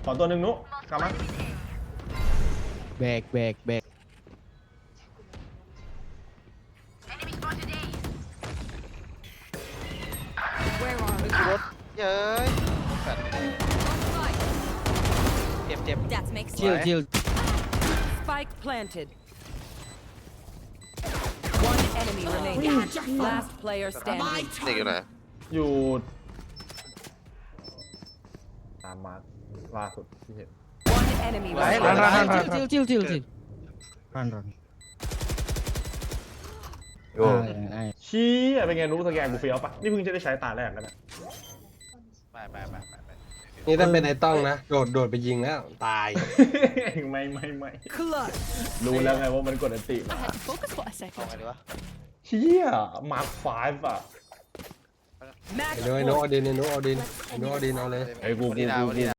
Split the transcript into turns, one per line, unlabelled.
ขอตัวหนึ่งนุ๊กกลับมา
แบก
รถเย้ยแบบเจ็บ
That makes
ชิล
Spike planted. One enemy remaining. Last player standing.
เด็กอยู่ไหน
อยู่ตามมาล่าสุดที่เห็น
One enemy
Right.
remaining.
ชิลรัน
โอ้
ชี้เป็นไงนุ๊กสแกนกูเฟี้ยวปะนี่เพิ่งจะได้ใช้ตาแรกกันนะ
ไป
นี่ถ้าเป็นไอ้ต้องนะโดดไปยิงแล้วตาย
ไม่
Clutch.
รู้แล้วไงว่ามันกดอันติมา
Focus for a
เอา
second.
ไงดีวะ
เฮียมาร์คไฟฟ์อ่ะ
Match
ไอ้โน้ตเอาดินเอาเลย
ไอ้กู
วันนี้นะ